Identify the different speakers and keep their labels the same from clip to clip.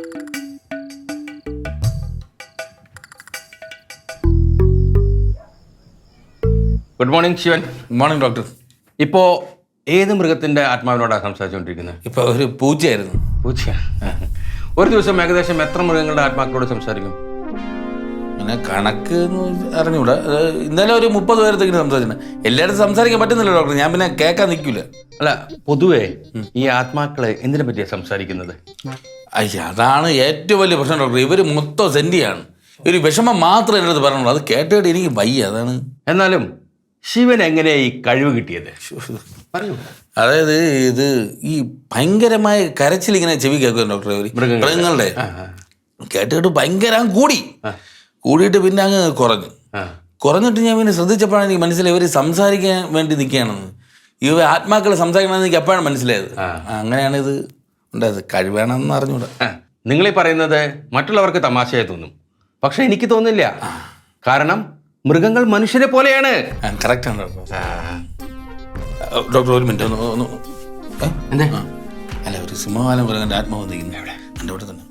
Speaker 1: Good morning Shivan.
Speaker 2: Good morning doctor.
Speaker 1: ഇപ്പോ ഏത് മൃഗത്തിന്റെ ആത്മാവിനോടാണ് സംസാരിച്ചുകൊണ്ടിരിക്കുന്നത്?
Speaker 2: ഇപ്പൊ ഒരു പൂച്ചയായിരുന്നു.
Speaker 1: പൂച്ച. ഒരു ദിവസം ഏകദേശം എത്ര മൃഗങ്ങളുടെ ആത്മാക്കളോട് സംസാരിക്കും?
Speaker 2: അങ്ങനെ കണക്ക് അറിഞ്ഞൂടാ. ഇന്നലെ ഒരു 30 പേരത്തേക്കിന് സംസാരിക്കണം. എല്ലായിടത്തും സംസാരിക്കാൻ പറ്റുന്നില്ല ഡോക്ടർ. ഞാൻ പിന്നെ കേൾക്കാൻ നിൽക്കില്ല.
Speaker 1: അല്ല, പൊതുവേ ഈ ആത്മാക്കള് എന്തിനെ പറ്റിയാണ് സംസാരിക്കുന്നത്?
Speaker 2: അയ്യ, അതാണ് ഏറ്റവും വലിയ പ്രശ്നം ഡോക്ടർ. ഇവർ മൊത്തം സെന്റിയാണ്. ഒരു വിഷമം മാത്രമേ എൻ്റെ അടുത്ത് പറഞ്ഞുള്ളൂ. അത് കേട്ടിട്ട് എനിക്ക് വയ്യ. അതാണ്.
Speaker 1: എന്നാലും ശിവൻ എങ്ങനെയാ ഈ കഴിവ് കിട്ടിയത്? പറയൂ.
Speaker 2: അതായത് ഇത് ഈ ഭയങ്കരമായ കരച്ചിൽ ഇങ്ങനെ ചെവി കേൾക്കും ഡോക്ടർ. മൃഗങ്ങളുടെ കേട്ടിട്ട് ഭയങ്കര കൂടിയിട്ട് പിന്നെ അങ്ങ് കുറഞ്ഞിട്ട് ഞാൻ പിന്നെ ശ്രദ്ധിച്ചപ്പോഴാണ് എനിക്ക് മനസ്സിലായി ഇവർ സംസാരിക്കാൻ വേണ്ടി നിൽക്കുകയാണെന്ന്. ഇവ ആത്മാക്കൾ സംസാരിക്കണമെന്ന് എനിക്ക് എപ്പോഴാണ് മനസ്സിലായത്. അങ്ങനെയാണ് ഇത് ഉണ്ടായത്. കഴിവേണമെന്ന് അറിഞ്ഞൂടാ.
Speaker 1: നിങ്ങളീ പറയുന്നത് മറ്റുള്ളവർക്ക് തമാശയായി തോന്നും, പക്ഷെ എനിക്ക് തോന്നില്ല. കാരണം മൃഗങ്ങൾ മനുഷ്യരെ പോലെയാണ്.
Speaker 2: കറക്റ്റാണ് ഡോക്ടർ. ഒരു മിനിറ്റ് ഒന്ന്
Speaker 1: എന്താ?
Speaker 2: അല്ല, ഒരു സിംഹവാലം മൃഗന്റെ ആത്മാവ് വന്നിരിക്കുന്നത് എവിടെ? എൻ്റെ അവിടെ തന്നെ.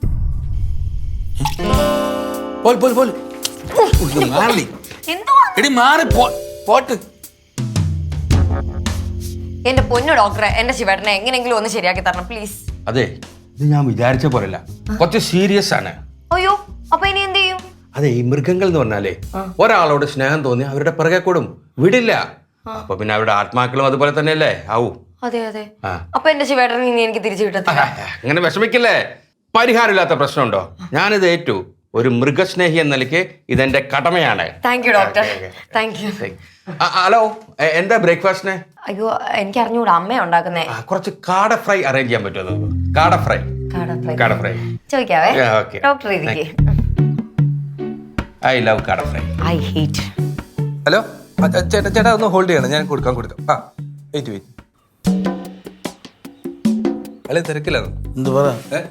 Speaker 2: എടി മാറി പോട്ട്.
Speaker 3: എന്റെ പൊന്നു ഡോക്ടറെ, എന്റെ ശിവേട്ടനെ എങ്ങനെയെങ്കിലും ഒന്ന് ശരിയാക്കി തരണം പ്ലീസ്.
Speaker 1: അതെ, ഇത് ഞാൻ വിചാരിച്ച പോലല്ല, കുറച്ച് സീരിയസ് ആണ്.
Speaker 3: അയ്യോ, അപ്പൊ ഇനി എന്ത് ചെയ്യും?
Speaker 1: അതെ, ഈ മൃഗങ്ങൾ എന്ന് പറഞ്ഞാലേ ഒരാളോട് സ്നേഹം തോന്നി അവരുടെ പിറകെ കൂടും, വിടില്ല. അപ്പൊ പിന്നെ അവരുടെ ആത്മാക്കളും അതുപോലെ തന്നെയല്ലേ ആവൂ.
Speaker 3: അതെ അതെ. അപ്പൊ എന്റെ ശിവേട്ടൻ ഇനി എനിക്ക് തിരിച്ചു കിട്ടത്തില്ല.
Speaker 1: അങ്ങനെ വിഷമിക്കില്ലേ, പരിഹാരമില്ലാത്ത പ്രശ്നമുണ്ടോ? ഞാനിത് ഏറ്റു. ഒരു മൃഗസ്നേഹി എന്ന നിലയ്ക്ക് ഇതെന്റെ കടമയാണ്.
Speaker 3: Thank you doctor. Thank you.
Speaker 1: Hello, എന്താ ബ്രേക്ക്ഫാസ്റ്റിന്?
Speaker 3: അയ്യോ, എനിക്ക് അറിഞ്ഞൂടാ, അമ്മ ഉണ്ടാക്കുന്നേ.
Speaker 1: കുറച്ച് കാട ഫ്രൈ അറേഞ്ച് ചെയ്യാൻ പറ്റുമോ? കാട ഫ്രൈ
Speaker 3: ചോദിക്കാവേ. ഡോക്ടർ ഇരിക്കേ.
Speaker 1: I love kaada fry.
Speaker 3: I hate.
Speaker 4: Hello ചേട്ടാ, ഒന്ന് ഹോൾഡ് ചെയ്യണം, ഞാൻ കൊടുക്കാം. വെയിറ്റ്. അല്ലെ തിരക്കിലാണ്.
Speaker 2: എന്ത് പറ?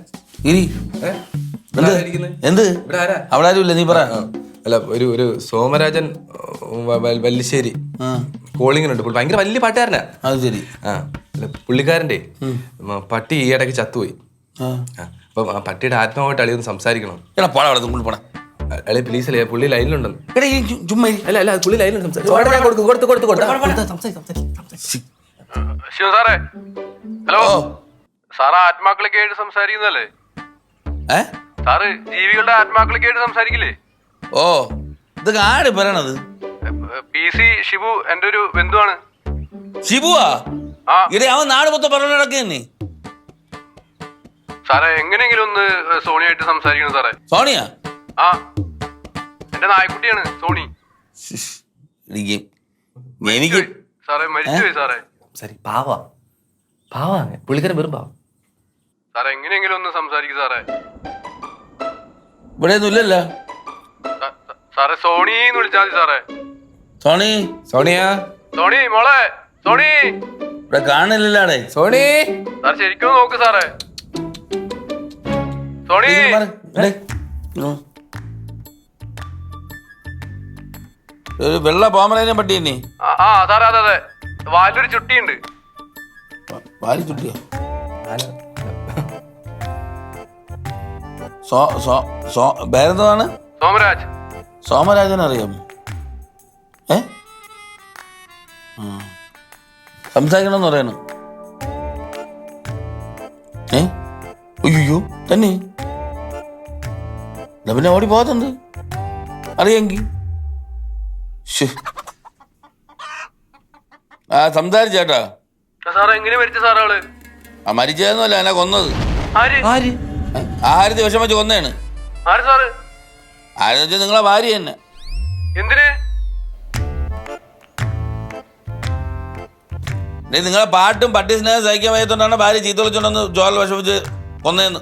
Speaker 2: എന്ത് അവിടെ ആരും ഇല്ല, നീ പറ.
Speaker 4: അല്ല, ഒരു സോമരാജൻ വല്ലിശ്ശേരി കോളിങ്ങിനുണ്ട്. ഭയങ്കര വലിയ പാട്ടുകാരനാ.
Speaker 2: അത് ശരി.
Speaker 4: അല്ല, പുള്ളിക്കാരൻ്റെ പട്ടി ഈ ഇടയ്ക്ക് ചത്തുപോയി. അപ്പം ആ പട്ടിയുടെ ആത്മാവായിട്ട് അളിയൊന്ന് സംസാരിക്കണം.
Speaker 2: പോടാ
Speaker 4: അളി പ്ലീസ് അല്ലേ, പുള്ളി ലൈനിലുണ്ടെന്ന്.
Speaker 2: ചുമ്മാ
Speaker 4: അല്ല പുള്ളി ലൈനിലുണ്ട്.
Speaker 5: ശിവ സാറേ, ഹലോ സാറ് ആത്മാക്കളൊക്കെ ആയിട്ട് സംസാരിക്കുന്നല്ലേ? സാറ് ജീവികളുടെ ആത്മാക്കളൊക്കെ ആയിട്ട് സംസാരിക്കില്ലേ?
Speaker 2: ഓ, ഇതൊക്കെ ആര് പറയണത്?
Speaker 5: PC ഷിബു എന്റെ ഒരു ബന്ധുവാണ്.
Speaker 2: ഷിബുവാ? ഇടേ, അവൻ നാട് മൊത്തം പറഞ്ഞു നടക്കുന്നേ.
Speaker 5: സാറേ, എങ്ങനെയെങ്കിലും ഒന്ന് സോണിയായിട്ട് സംസാരിക്കണം സാറേ.
Speaker 2: സോണിയ?
Speaker 5: ആ, എന്റെ നായ്ക്കുട്ടിയാണ് സോണി.
Speaker 2: എനിക്ക്
Speaker 5: സാറേ മരിച്ചുപോയി സാറേ.
Speaker 4: സരി, പാവാണ് പുള്ളിക്കാരൻ, വെറും പാവം.
Speaker 5: സാറേ, എങ്ങനെയെങ്കിലും ഒന്ന് സംസാരിക്കും സാറേ.
Speaker 2: ഇവിടെ ഒന്നും ഇല്ലല്ലോ
Speaker 5: സാറേ. സോണിന്ന് വിളിച്ചാൽ മതി സാറേ.
Speaker 4: സോണി
Speaker 5: മോളെ, സോണി
Speaker 2: ഇവിടെ കാണില്ലല്ലേ?
Speaker 4: സോണി
Speaker 5: സാർ ശരിക്കും നോക്ക് സാറേ. സോണി,
Speaker 2: ഒരു വെള്ള പോമറേനെ പട്ടി തന്നെ.
Speaker 5: ആ സാറേ, അതെ. വാലൊരു ചുട്ടിയുണ്ട്.
Speaker 2: വാലി ചുട്ടിയോ? പേരെന്താണ്?
Speaker 5: സോമരാജ്.
Speaker 2: സോമരാജൻ അറിയാമോ? സംസാരിക്കണമെന്ന് പറയണ. അയ്യോ, തന്നെ പിന്നെ ഓടി പോകത്തുണ്ട് അറിയാമെങ്കിൽ. സംസാരിച്ചേട്ടാ.
Speaker 5: സാറേ, എങ്ങനെ മരിച്ച സാറേ ആള്?
Speaker 2: മരിച്ചതൊന്നുമല്ല, എന്നെ കൊന്നത്. ആഹാരത്തിൽ വിഷം വെച്ച് കൊന്നതാണ്. ആരെന്ന് വെച്ചാൽ നിങ്ങളെ ഭാര്യ തന്നെ.
Speaker 5: എന്തിന്?
Speaker 2: നിങ്ങളെ പാട്ടും പട്ടി സ്നേഹം സഹിക്കാൻ വയ്യത്തോണ്ടാണ് ഭാര്യ ചീത്ത വിളിച്ചോണ്ടെന്ന് ചോല വിഷം വെച്ച് കൊന്നേന്ന്.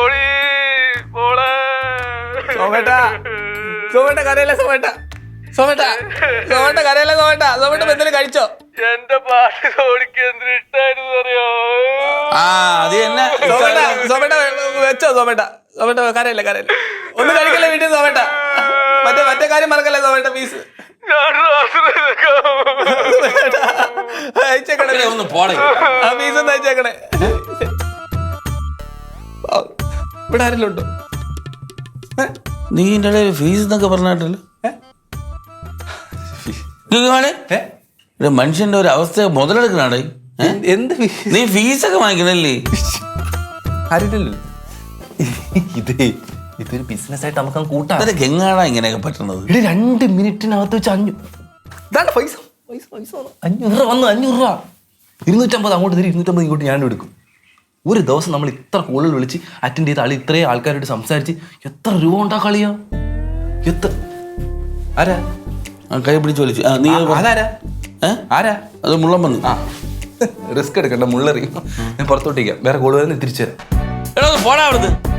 Speaker 4: കഴിച്ചോ?
Speaker 5: എന്റെ പാട്ട് സോണിക്ക് എന്തിനു ഇഷ്ടായിരുന്നു അറിയോ?
Speaker 2: അത് തന്നെ
Speaker 4: വെച്ചോ. കരയില്ല ഒന്നും കഴിക്കല്ലേ വീട്ടിൽ. മറ്റേ കാര്യം മറക്കല്ലേ സോമേട്ട. പീസ് അയച്ചേക്കണേ,
Speaker 2: ഒന്ന് പോണേ.
Speaker 4: ആ പീസ് ഒന്ന് അയച്ചേക്കണേ. ഇവിടെ ആരെങ്കിലും ഉണ്ടോ?
Speaker 2: നീ എൻ്റെ ഇടയിൽ ഫീസ് എന്നൊക്കെ പറഞ്ഞിട്ടല്ലോ. ഇവിടെ മനുഷ്യന്റെ ഒരു അവസ്ഥ മുതലെടുക്കണാടേ.
Speaker 4: എന്ത്
Speaker 2: നീ ഫീസൊക്കെ വാങ്ങിക്കണല്ലേ?
Speaker 4: ആരില്ലല്ലോ. ഇതൊരു ബിസിനസ് ആയിട്ട് നമുക്ക് കൂട്ടാം.
Speaker 2: അതൊക്കെ എങ്ങാടാ ഇങ്ങനെയൊക്കെ പറ്റണത്?
Speaker 4: 2 മിനിറ്റിനകത്ത് വെച്ച് 5 ഇതാണ് പൈസ. 500 രൂപ വന്നു. 500 രൂപ 250 അങ്ങോട്ട് തരും, 250 ഇങ്ങോട്ട് ഞാൻ എടുക്കും. ഒരു ദിവസം നമ്മൾ ഇത്ര കോളുകൾ വിളിച്ച് അറ്റൻഡ് ചെയ്ത ആൾ ഇത്രയും ആൾക്കാരോട് സംസാരിച്ച് എത്ര രൂപ ഉണ്ടാക്കളിയാ? എത്ര? ആരാ
Speaker 2: കൈ പിടിച്ച് വലിച്ചു? നീ
Speaker 4: അതാരാ? ആരാ
Speaker 2: അത് മുള്ളം വന്നു.
Speaker 4: റിസ്ക് എടുക്കണ്ട, മുള്ളറിയും. ഞാൻ പുറത്തോട്ടേക്കാം, വേറെ കോള് വരുന്ന തിരിച്ചു തരാം.
Speaker 2: എടാ പോടാ അവിടുന്ന്.